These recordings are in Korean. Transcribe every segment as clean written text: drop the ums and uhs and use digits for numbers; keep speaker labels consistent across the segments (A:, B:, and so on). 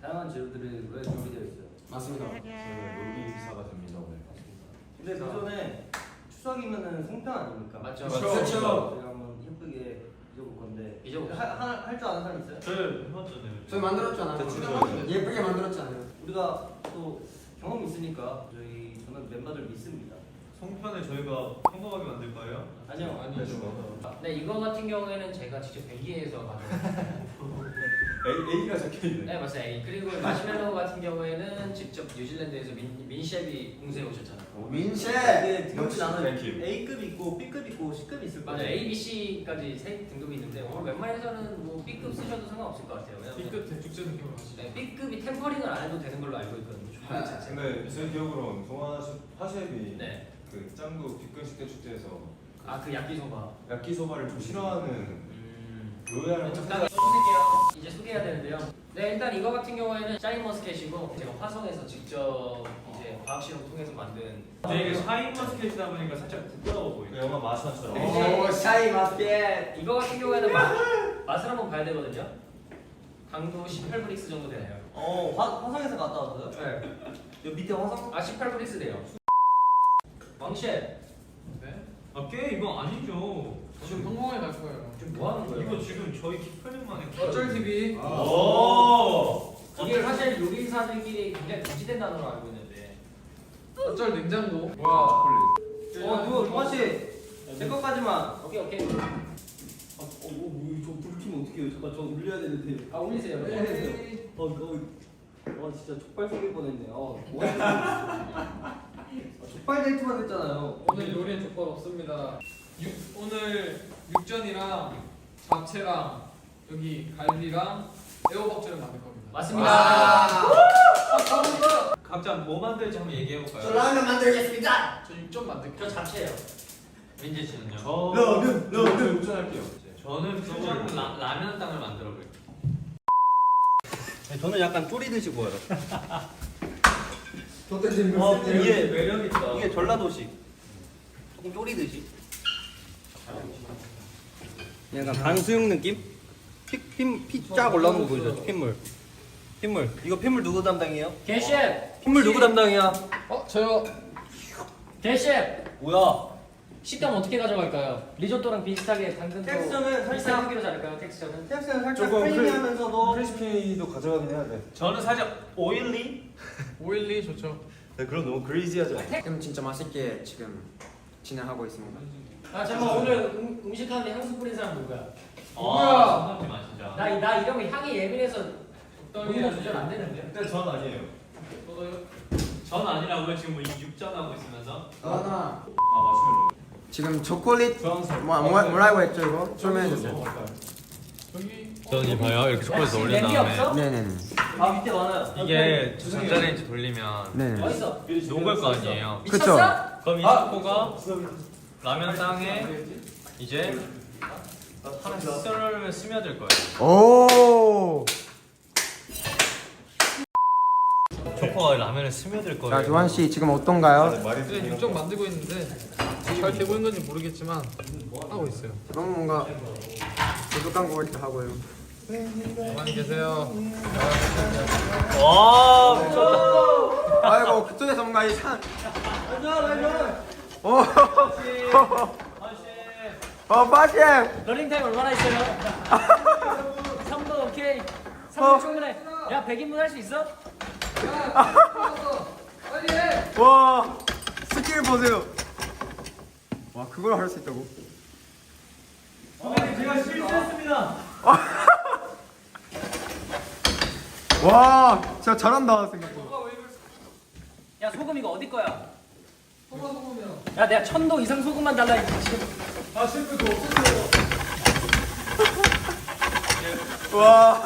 A: 다양한 재료들이 왜 준비되어 있어요?
B: 맞습니다.
C: 요리사가 됩니다 오늘.
A: 근데 그 전에 추석이면은 송편 아닙니까?
D: 맞죠.
B: 그렇죠.
A: 제가 한번 예쁘게 빚어볼 건데
D: 빚어보세요.
A: 할 줄 아는 사람 있어요?
C: 저희 해봤잖아요.
B: 저희 만들었잖아요.
C: 대충
B: 예쁘게 만들었잖아요.
A: 우리가 또 경험이 있으니까 저는 멤버들 믿습니다.
C: 송편을 저희가 평범하게 만들 거예요?
A: 아니요.
C: 아니죠.
D: 네, 이거 같은 경우에는 제가 직접 벨기에에서 가져온
C: A가 적혀있네.
D: 네, 맞아요. A. 그리고 마시멜로우 같은 경우에는 직접 뉴질랜드에서 민셰비 공세에 오셨잖아요.
B: 민셰.
A: 이게 등급이
C: 역시
A: 나는
C: 랭킹.
A: A급 있고 B급 있고 C급 있을 거예요.
D: 맞아요. A, B, C까지 세 등급이 있는데 오늘 웬만해서는 뭐 B급 쓰셔도 상관없을 것 같아요. 왜냐면
E: B급 대축제 느낌으로 하시죠.
D: 네, B급이 템퍼링을 안 해도 되는 걸로 알고 있거든요.
B: 아,
C: 근데 제 기억으로는 동아 화셰비
D: 네.
C: 그 짱구 빅근식대 축제에서
D: 아, 그 야끼소바.
C: 야끼소바를 좀 싫어하는 로얄
D: 네, 적당히 써주세요. 이제 소개해야 되는데요. 네, 일단 이거 같은 경우에는 샤인머스켓이고 제가 화성에서 직접 이제 과학 실험 통해서 만든.
E: 근데 이게 샤인머스켓이다 보니까 살짝 부끄러워
C: 그
E: 보이죠.
C: 영화 마샤처럼.
D: 네.
B: 오 샤이 마스켓.
D: 이거 같은 경우에는 맛을 한번 봐야 되거든요. 강도 18브릭스 정도 되나요?
A: 화성에서 갔다 왔어요?
D: 네.
A: 여기 밑에 화성?
D: 아, 18브릭스 돼요. 왕셰,
E: 네? 아, 꽤 이거 아니죠. 지금 성공에 갈 거예요.
D: 지금 뭐 하는 거예요?
E: 이거 지금 저희 키플링만의
B: 어쩔 TV.
E: 오.
D: 이게 사실 요리사들끼리 굉장히 금지된 단어로 알고 있는데.
E: 어쩔 냉장고.
B: 뭐야?
A: 누구 동아 씨? 제 것까지만.
D: 오케이.
A: 저불 켜면 어떡해요? 잠깐 저 울려야 되는데.
D: 아, 올리세요.
A: 네. 진짜 족발 속일 뻔했네. 족발 데이트만 했잖아요.
E: 오늘 요리엔 족발 없습니다. 오늘 육전이랑 잡채랑 여기 갈비랑 애호박전을 만들 겁니다.
D: 맞습니다.
E: 각자 뭐 만들지 한번 얘기해
B: 저
E: 볼까요?
B: 라면 만들겠습니다.
E: 저 육전 만들게요.
D: 저 잡채예요.
E: 민재 씨는요?
C: 라면 운전할게요.
E: 저는 퓨전 라면 땅을 만들어 볼게요.
A: 저는 약간 쪼리듯이 보여요.
B: 도대체
A: 이게
E: 매력 있다.
A: 이게 전라도식. 조금 쪼리듯이. 약간 방수육 느낌? 피 쫙 올라오는 거 보이죠? 핏물. 이거 핏물 누구 담당이에요?
D: 개셰프.
A: 핏물 누구 담당이야?
E: 저요.
D: 개셰프.
A: 뭐야?
D: 식감 어떻게 가져갈까요? 리조또랑 비슷하게 당근도
A: 텍스처는
D: 비슷한
A: 살짝
D: 크기로 자를까요? 텍스처는?
A: 텍스는 살짝
C: 조금
A: 크리미하면서도
C: 크리스피도 가져가긴 해야 돼.
E: 저는 살짝 오일리 좋죠.
C: 네, 그럼 너무 그레이지하지 않아?
B: 지금 진짜 맛있게 지금 진행하고 있습니다.
D: 아, 잠깐 오늘 음식 하는데 향수 뿌린 사람 누구야?
E: 뭐야? 선생님 아시죠?
D: 나 이러면 향이 예민해서
E: 적당히
D: 너무 조절 안 되는데.
C: 근데 전 아니에요.
E: 전 아니라고요. 지금 뭐 육전 하고 있으면서.
B: 나나
C: 아 마시멜로.
B: 지금 초콜릿
C: 주황색.
B: 뭐라고 했죠 이거? 설명해 주세요.
E: 여기
F: 저는 봐요. 이렇게 초콜릿 올린
D: 냄비
F: 다음에
D: 없어?
B: 네네네.
A: 아 밑에 많아요.
F: 이게 전자레인지 돌리면
B: 네.
D: 어딨어?
F: 녹을 거 아니에요.
B: 그쵸.
D: 미쳤어?
F: 그럼 이 초코가 라면 땅에 이제 하나씩 스며들 거예요.
B: 오.
F: 초코가 라면에 스며들 거예요.
B: 자 조한 씨 지금 어떤가요?
C: 말이
E: 이제 육전 만들고 있는데 잘 되고 있는 건지 모르겠지만 하고 있어요.
B: 너무 뭔가 부족한 것 같기도 하고요.
E: 가만히 계세요.
F: 와, 미쳤다.
B: 아이고 그쪽에서 뭔가 이상. 오. 빠셰.
D: 러닝타임 얼마나 있어요? 3분 오케이. 3분 충분해. 야, 100인분 할 수 있어?
B: 와 스킬 보세요. 와 그걸 할 수 있다고?
A: 제가 실수했습니다.
B: 와 진짜 잘한다 생각보다.
D: 야, 소금 이거 어디 거야? 야, 내가 1000도 이상 소금만 달라 지금.
B: 와.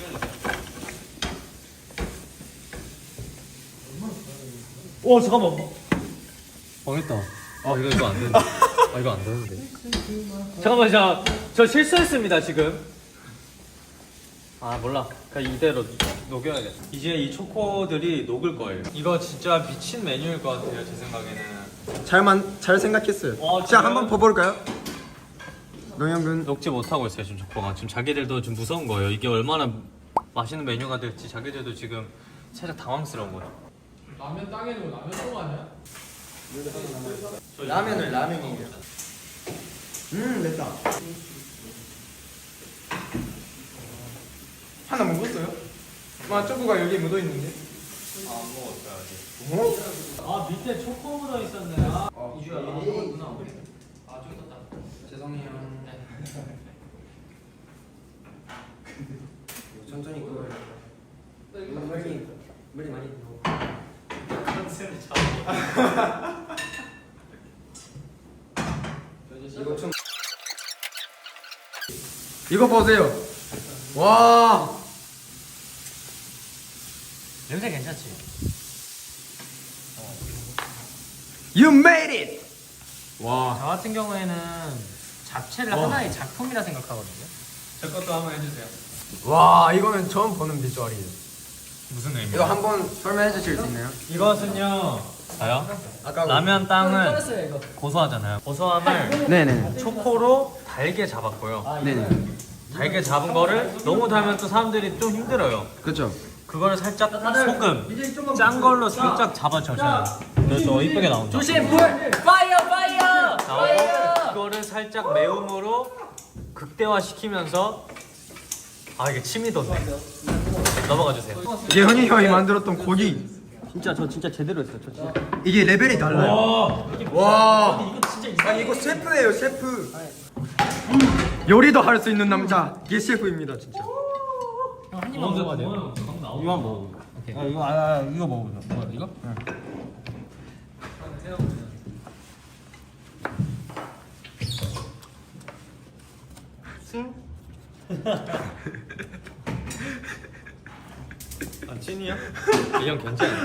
F: 오, 잠깐만. 망했다. 아, 이거 안 되는데. 아, 이거 안 되는데. 잠깐만, 저 실수했습니다, 지금. 아, 몰라. 그냥 이대로 녹여야겠다. 이제 이 초코들이 녹을 거예요. 이거 진짜 미친 메뉴일 것 같아요, 제 생각에는.
B: 잘 생각했어요.
F: 어,
B: 자
F: 지금?
B: 한번 봐볼까요? 노영근.
F: 녹지 못하고 있어요, 지금 초코가. 지금 자기들도 좀 무서운 거예요. 이게 얼마나 맛있는 메뉴가 될지 자기들도 지금 살짝 당황스러운 거죠.
E: 라면 땅에는 라면 똥 아니야?
B: 라면은 라면이에요. 됐다. 하나 먹었어요? 마 초코가 여기 묻어 있는데.
F: 아 밑에 초코 묻어 있었네.
D: 이주야 너 먹었구나. 아 저기 떴다.
B: 죄송해요. 천천히 끓여. 물이 많이 들어. 이거 좀. 이거 보세요. 와.
F: 냄새 괜찮지?
B: You made it. 와.
F: 저 같은 경우에는 잡채를 하나의 작품이라 생각하거든요.
E: 제 것도 한번 해주세요.
B: 와, 이거는 처음 보는 비주얼이에요.
F: 무슨 의미?
B: 이거 한번 설명해 주실 수 있나요?
F: 이것은요. 저요?
B: 아까
F: 라면 땅은
D: 꺼냈어요 이거.
F: 고소하잖아요. 고소함을
B: 네네.
F: 초코로 달게 잡았고요.
B: 네네.
F: 달게 잡은 거를 너무 달면 또 사람들이 좀 힘들어요.
B: 그렇죠.
F: 그거를 살짝 소금 짠 걸로 살짝 잡아줘요. 그래서 이쁘게 나온다.
D: 조심 불. 파이어 파이어.
F: 나오고 이거를 살짝 매움으로 극대화시키면서 아 이게 침이 돋네. 넘어가 주세요.
B: 예현이 형이 만들었던 고기.
F: 진짜 저 진짜 제대로 했어요. 저 진짜.
B: 이게 레벨이 달라요. 와.
F: 이거 진짜
B: 아니 이거 셰프예요, 셰프. 요리도 할 수 있는 남자. 이게 셰프입니다, 진짜.
F: 한 입만 먹어야 돼요.
A: 이만 먹어.
F: 오케이.
A: 이거 먹어보자.
F: 뭐 이거?
A: 아 찐이야?
F: 이형 괜찮아요.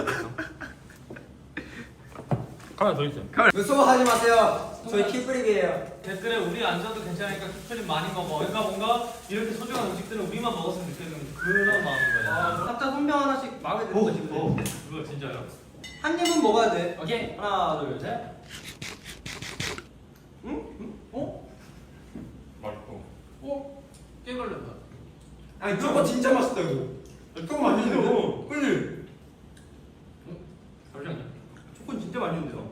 F: 하나 더 있어요.
B: 무서워하지 마세요. 저희 키프릭이에요.
F: 댓글에 우리 안 줘도 괜찮으니까 키프림 많이 먹어. 그러니까 뭔가 이렇게 소중한 음식들은 우리만 먹었으면 좋겠는 그런 마음인 거예요.
A: 각자 선명 하나씩 마음에 드는 거 싶어.
F: 그거 진짜요?
A: 한 입은 먹어야 돼.
D: 오케이.
A: 하나 둘 셋.
E: 깨 걸렸다.
B: 아니 저거 진짜 맛있다 이거. 저거 맛있는데? 그지?
F: 잠시만요.
A: 초코는 진짜 맛있는데요.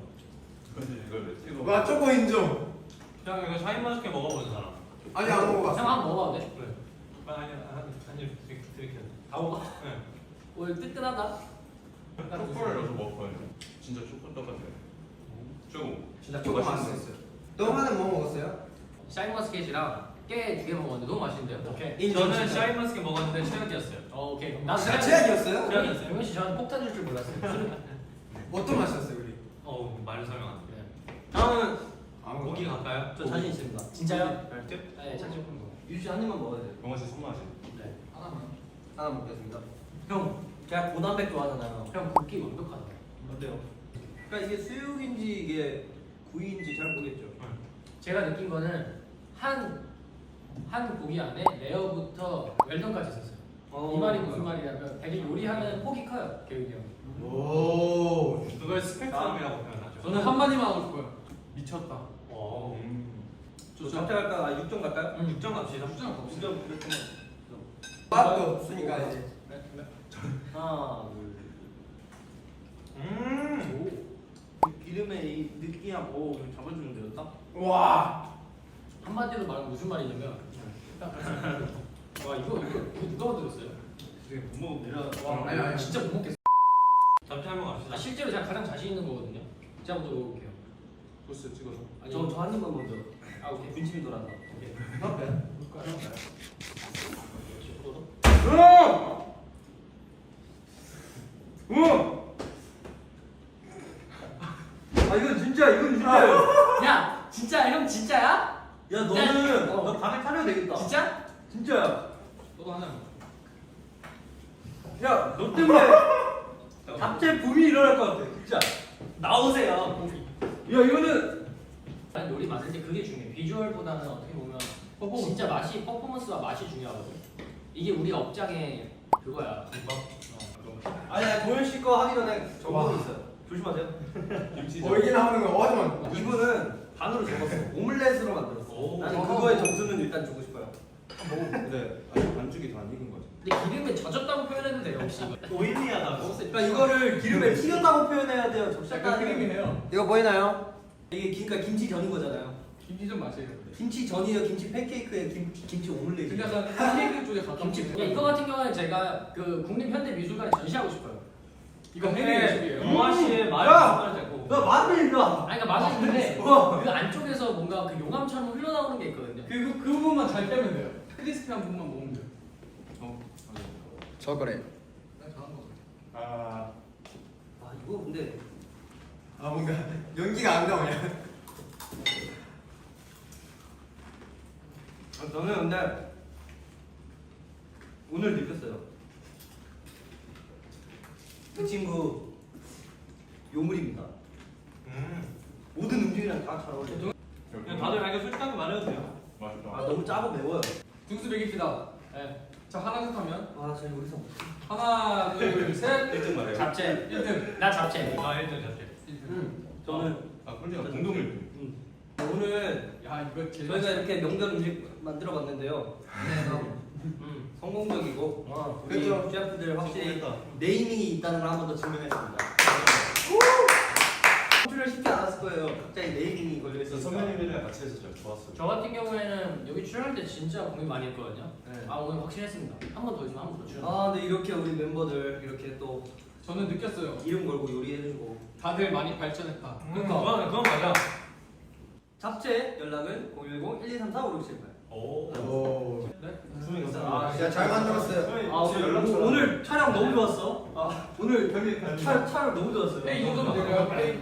B: 와 저거 인정.
F: 그냥 이거 샤인머스켓 먹어보는 사람.
B: 아니 안 먹어봤어.
D: 형 한번 먹어봐도 돼?
F: 그래. 아니 한입 드릴게요.
D: 다 먹어.
F: 네.
D: 오늘 뜨끈하다.
C: 초코를 넣어서 먹어요. 진짜 초코 똑같아요. 조금.
B: 진짜 저거 맛있었어요. 너만은 뭐 먹었어요?
D: 샤인머스켓이랑 깨 두 개 먹었는데 너무 맛있는데요? 오케이.
F: 저는 샤인머스켓 먹었는데 최악이었어요.
D: 오케이.
B: 아, 제약이었어요?
D: 최악이었어요. 용현 씨 저는 폭탄 줄 줄 몰랐어요.
B: 어떤 맛이었어요 우리?
F: 말로 설명 안 돼.
D: 네.
A: 다음은
F: 고기 갈까요?
A: 저 자신 있습니다.
D: 진짜요?
F: 멸치?
D: 네, 자신 있는 거.
A: 유씨 한 입만 먹어야 돼.
C: 병원 씨 손맛이.
D: 네. 하나만.
A: 하나 먹겠습니다. 형, 제가 고단백 좋아하잖아요.
D: 형 굽기 완벽하다.
A: 어때요? 그러니까 이게 수육인지 이게 구이인지 잘 모르겠죠.
D: 제가 느낀 거는 한 고기 안에 레어부터 웰던까지 있었어요. 이 말이 무슨 말이냐면 되게 요리하는 폭이 커요, 교육이 형.
B: 오.
F: 그걸 스펙트럼이라고 표현하죠.
E: 저는 한마디만 하고 싶어요. 미쳤다.
A: 저 잡채 갈까? 아, 6점 갈까요?
F: 6점 갑시다.
A: 6점 갑시다. 6점.
B: 맛도 없으니까 이제.
A: 하나, 둘. 이 기름의 이 느끼함, 오, 이거 잡아주는데요, 딱?
B: 와.
D: 한마디로 말하면 무슨 말이냐면 와 이거 누가 만들었어요?
A: 못 먹으면 내려.
D: 와 아니 진짜 못 먹겠어.
F: 잡채 한번 갑시다.
D: 실제로 제가 가장 자신 있는 거거든요. 제가 먼저 먹어볼게요.
E: 벌써 찍어서.
D: 아니
A: 저한 입만 먼저.
D: 아 오케이.
A: 군침이 돌았다.
D: 오케이.
A: 아, 이건 진짜예요.
D: 야 진짜 형 진짜야?
A: 야, 너는
D: 어.
A: 너 밤에 타려야 되겠다.
D: 진짜?
A: 진짜야.
E: 너도 하나.
A: 야, 너 때문에 잡채 붐이 일어날 것 같아. 진짜. 나오세요. 야, 이거는
D: 난 요리 만들 때 그게 중요해. 비주얼보다는 어떻게 보면 진짜 맛이 퍼포먼스와 맛이 중요하거든. 이게 우리 업장의 그거야.
A: 아니야, 도현 씨 거 하기 전에 정보가 있어요. 조심하세요.
B: 여기는 하는 거 하지만.
A: 이분은 반으로 접었어. 오믈렛으로 만들었어.
F: 오.
A: 나는 그거에 점수는 일단 주고 싶어요.
C: 근데 아직 반죽이 다 안 익은 거죠.
D: 근데 기름에 젖었다고 표현해도 돼요 혹시?
A: 오일리하다고? 그러니까 이거를 기름에 튀겼다고 표현해야 돼요.
E: 약간
A: 적셔가
E: 크림이네요.
B: 이거 보이나요?
A: 이게 그러니까 김치전인 거잖아요.
E: 김치 좀 마세요.
A: 김치전이에요. 김치 팬케이크에 김치 오믈렛.
E: 근데 약간 팬케이크 쪽에 가까운
D: 김치. 이거 같은 경우는 제가 그 국립현대미술관에 전시하고 싶어요.
E: 이거 해외 예술이에요.
F: 영화 씨의
A: 야!
F: 말을 되고.
A: 나 마늘 일로 와.
D: 아니 그러니까 맛은 있는데
A: 와.
D: 그 안쪽에서 뭔가 그 용암처럼 흘러나오는 게 있거든요.
E: 그 부분만 잘 빼면 돼요. 크리스피한 부분만 먹으면 돼요.
B: 저 그래.
A: 아 이거 근데
B: 아 뭔가 연기가 안 나오냐?
A: 저는 근데 오늘 느꼈어요. 그 친구 요물입니다. 모든 음식이랑 다 잘 어울려요.
F: 그냥 다들 자기 솔직하게 말해도 돼요.
C: 맛있다.
A: 아 너무 짜고 매워요.
E: 등수 매깁시다. 네. 자 하나 셋 하면
A: 아 저희 여기서
E: 하나 둘 셋.
C: 1등 말해요.
D: 잡채.
E: 1등.
D: 나 잡채.
F: 아, 1등 잡게.
E: 1등.
A: 저는
C: 아 꿀리가 공동 1등.
A: 오늘
E: 야 이거 제일
A: 저희가 이렇게 명절 음식 만들어봤는데요. 성공적이고 우리
B: 그렇죠.
A: 셰프들 확실히 네이밍이 있다는 걸 한 번 더 증명했습니다. 컨트롤 쉽지 않았을 거예요. 갑자기 네이밍이 걸려 있어서.
C: 선배님들이랑 같이 해서 잘 좋았어요.
D: 저 같은 경우에는 여기 출연할 때 진짜 고민 많이 했거든요.
A: 네.
D: 아 오늘 확실했습니다. 한 번 더 있으면 한 번 더 출연.
A: 아 근데 이렇게 우리 멤버들 이렇게 또
E: 저는 느꼈어요.
A: 이름 걸고 요리해주고
E: 다들 많이 발전했다.
F: 그건 맞아.
A: 잡채 연락은 010-1234-5678.
C: 오.
B: 잘 만들었어요.
A: 아 오늘 촬영 너무 좋았어. 아 오늘 촬영 너무 좋았어요.
E: 이 정도면 될까요?